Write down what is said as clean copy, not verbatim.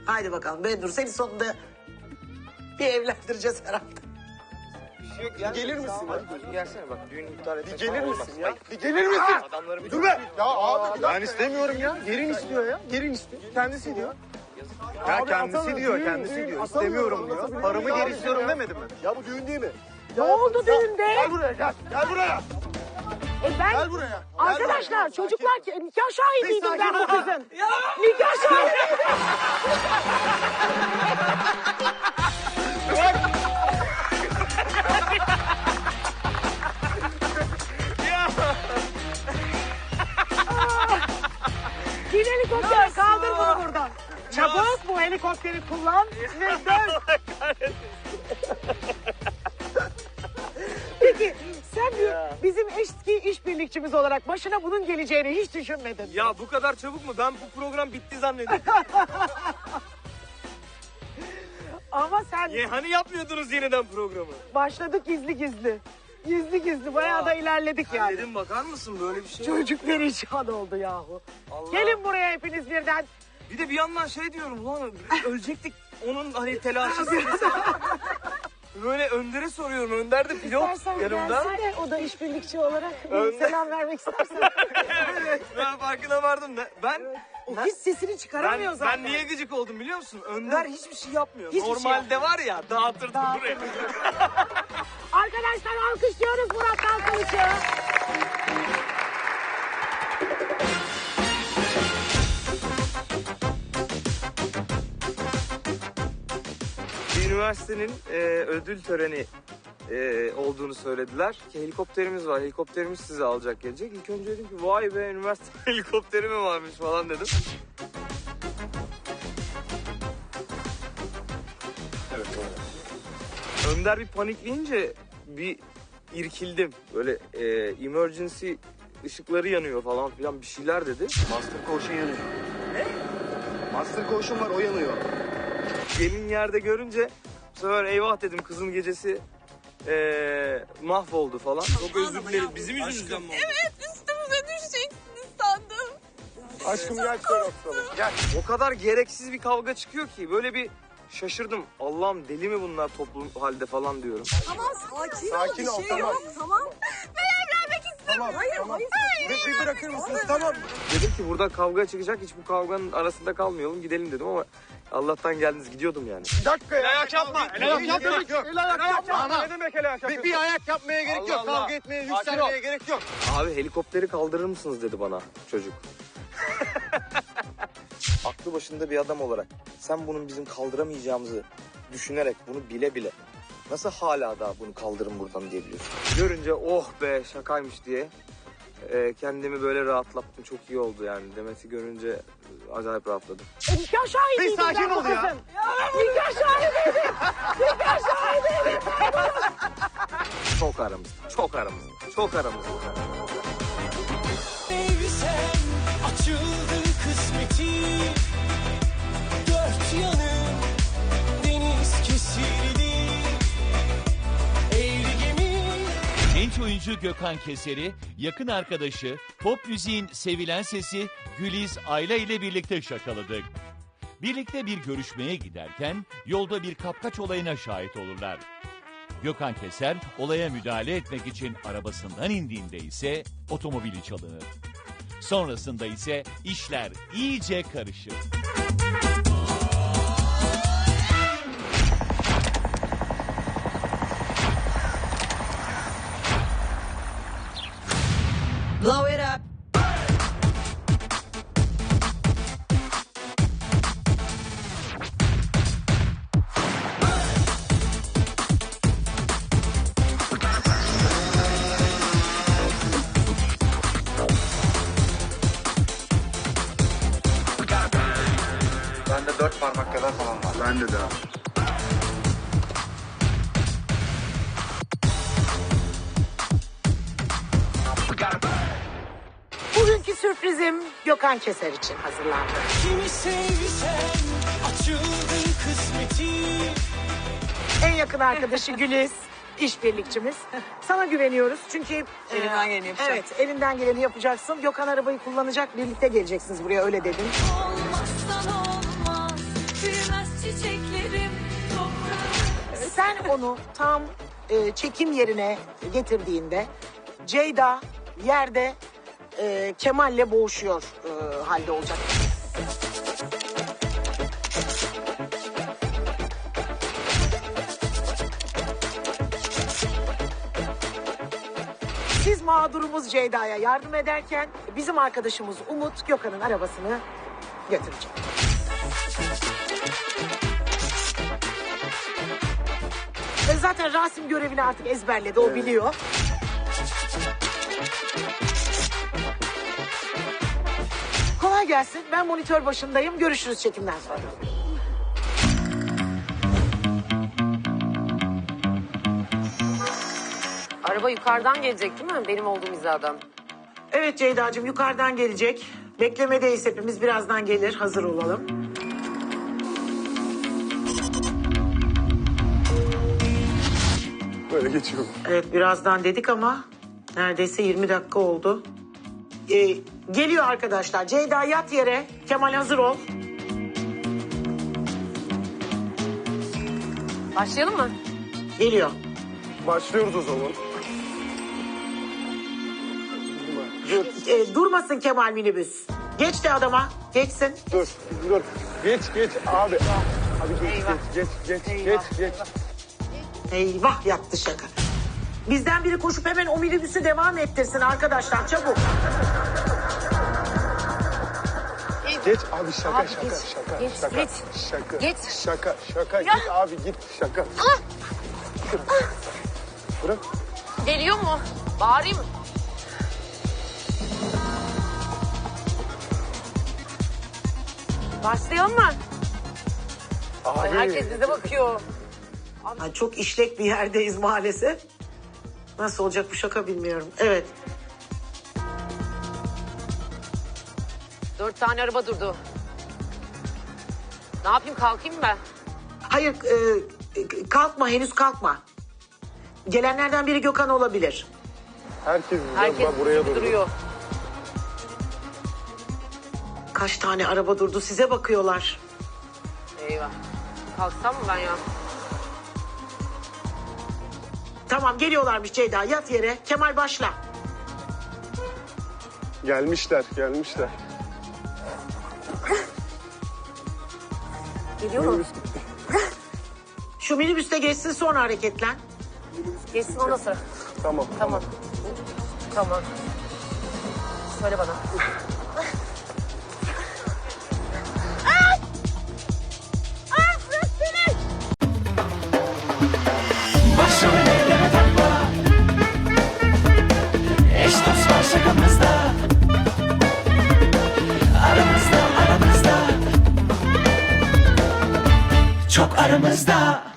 Haydi bakalım Bendur, seni sonunda bir evlendireceğiz herhalde. Gelir misin? Hadi gelsene bak düğün iptal etmek Gelir falan misin olmaz. ya? Bak, Bir gelir misin? adamları bir Dur be! Ya abi ben istemiyorum ya. Gelin istiyor ya. Gelin istiyor. Kendisi diyor. Ya Abi, kendisi atamıyorum, diyor, düğün, kendisi düğün, diyor. atamıyorum, İstemiyorum diyor. anlatabiliyor Paramı muyum geri abi istiyorum ya? demedim mi? Ya bu düğün değil mi? Ne oldu düğünde? Gel buraya gel. Gel buraya. Ben Gel buraya. arkadaşlar çocuklar nikah şahidiydim Bir ben bu sakin ol. kızın. Nikah şahidiydim. Bin helikopter kaldır bunu buradan. Çabuk bu helikopteri kullan ve dön. Peki sen bizim eski işbirlikçimiz olarak başına bunun geleceğini hiç düşünmedin. Ya bu kadar çabuk mu? Ben bu program bitti zannediyorum. Ama sen Hani yapmıyordunuz yeniden programı? başladık gizli gizli. Gizli gizli bayağı da ilerledik yani. Dedim bakar mısın böyle bir şey? Çocuk perişan oldu yahu. Allah. Gelin buraya hepiniz birden. Bir de bir yandan şey diyorum lan ölecektik onun hani telaşı böyle Önder'e soruyorum. Önder de pilot İstersen yanımda. gelsene o da işbirlikçi olarak bir Öyle. selam vermek istersen. Ben farkına vardım da. O hiç sesini çıkaramıyor zaten. Ben niye gıcık oldum biliyor musun? Önder hiçbir şey yapmıyor. Hiçbir şey Normalde var ya dağıtırdı buraya. Arkadaşlar alkışlıyoruz Murat Dalkılıç'ı. Bir üniversitenin ödül töreni olduğunu söylediler. Ki helikopterimiz var. Helikopterimiz sizi alacak gelecek. İlk önce dedim ki vay be üniversite helikopteri mi varmış falan dedim. Evet. Önder bir panikleyince bir irkildim. Böyle emergency ışıkları yanıyor falan filan bir şeyler dedi. Master Koşun yanıyor. Ne? Master Koşun var, o yanıyor. Gelin yerde görünce bu sefer eyvah dedim kızın gecesi mahvoldu falan. Çok özür dilerim. Bizim yüzümüzden mi oldu? Evet, üstümüze düşeceksiniz sandım. Aşkım gel şöyle oturalım. Gel. O kadar gereksiz bir kavga çıkıyor ki böyle bir şaşırdım. Allah'ım deli mi bunlar toplum halde falan diyorum. Tamam, sakin, Sakin ol, bir şey tamam. yok. Tamam. Ben evlenmek istemiyorum. Hayır, tamam. hayır. Bir bırakır mısınız? Tamam. Dedim ki burada kavga çıkacak hiç bu kavganın arasında kalmayalım gidelim dedim ama Allah'tan geldiniz gidiyordum yani. Bir dakika ya. ayak yapma. El ayak yapmak yok. El ayak yapma. Ne demek el ayak Bir ayak yapmaya gerek Allah yok. Allah. Kavga etmeye, yükselmeye gerek yok. Abi helikopteri kaldırır mısınız dedi bana çocuk. Aklı başında bir adam olarak sen bunun bizim kaldıramayacağımızı düşünerek bunu bile bile nasıl hala daha bunu kaldırın buradan diyebiliyorsun. Görünce oh be şakaymış diye kendimi böyle rahatlattım. Çok iyi oldu yani. Demet'i görünce acayip rahatladım. Nikah şahidiydim Bir sakin ben bu ol ya. kızın. Nikah şahidiydim. Nikah şahidiydim. Çok aramızda. Çok aramızda. Çok aramızda. Sevsem açıldı kısmeti, dört yanım deniz kesildi, eğri gemi. Genç oyuncu Gökhan Keser'i, yakın arkadaşı, pop müziğin sevilen sesi Güliz Ayla ile birlikte şakaladık. Birlikte bir görüşmeye giderken yolda bir kapkaç olayına şahit olurlar. Gökhan Keser olaya müdahale etmek için arabasından indiğinde ise otomobili çalınır. Sonrasında ise işler iyice karışır. Blow it up. Bende 4 parmak kadar falan var. Bende de. Bugünkü sürprizim Gökhan Keser için hazırlandı. Kimi sevsem açıldı kısmeti. En yakın arkadaşı Güliz, işbirlikçimiz. Sana güveniyoruz çünkü... Elimden geleni yapacağım. Evet, elinden geleni yapacaksın. Gökhan arabayı kullanacak, birlikte geleceksiniz buraya öyle dedim. Olmazsan olmaz, onu tam çekim yerine getirdiğinde Ceyda yerde Kemal'le boğuşuyor halde olacak. Siz mağdurumuz Ceyda'ya yardım ederken bizim arkadaşımız Umut Gökhan'ın arabasını götürecek. Zaten Rasim görevini artık ezberledi, o biliyor. Kolay gelsin. Ben monitör başındayım. Görüşürüz çekimden sonra. Araba yukarıdan gelecek değil mi? Benim olduğum hizadan. Evet Ceyda'cığım, yukarıdan gelecek. Beklemedeyiz hepimiz. Birazdan gelir. Hazır olalım. Böyle geçiyorum. Evet, birazdan dedik ama neredeyse 20 dakika oldu. Geliyor arkadaşlar. Ceyda yat yere. Kemal hazır ol. Başlayalım mı? Geliyor. Başlıyoruz o zaman. Durmasın Kemal minibüs. Geç de adama. Geçsin. Dur. Geç abi. Abi geç. Eyvah, yattı şaka. Bizden biri koşup hemen o minibüsü devam ettirsin arkadaşlar, çabuk. Geç abi, şaka. Geç. Şaka. Git abi, git şaka. Bırak. Geliyor mu? Bağırayım mı? Başlayalım mı? Ay, Abi. herkes bize bakıyor. Ay, çok işlek bir yerdeyiz maalesef. Nasıl olacak bu şaka bilmiyorum. Evet. 4 tane araba durdu. Ne yapayım, kalkayım mı ben? Hayır, kalkma, henüz kalkma. Gelenlerden biri Gökhan olabilir. Herkes Herkes buraya doğru. duruyor. Kaç tane araba durdu, size bakıyorlar. Eyvah. Kalksam mı ben ya? Tamam, geliyorlarmış Ceyda, yat yere. Kemal başla. Gelmişler. Geliyor mu? Şu minibüste geçsin, sonra hareketlen. Geçsin ondan sonra. Tamam. Tamam. Söyle bana. Başrol elleme takma. Eş dost var şakamızda. Aramızda Çok aramızda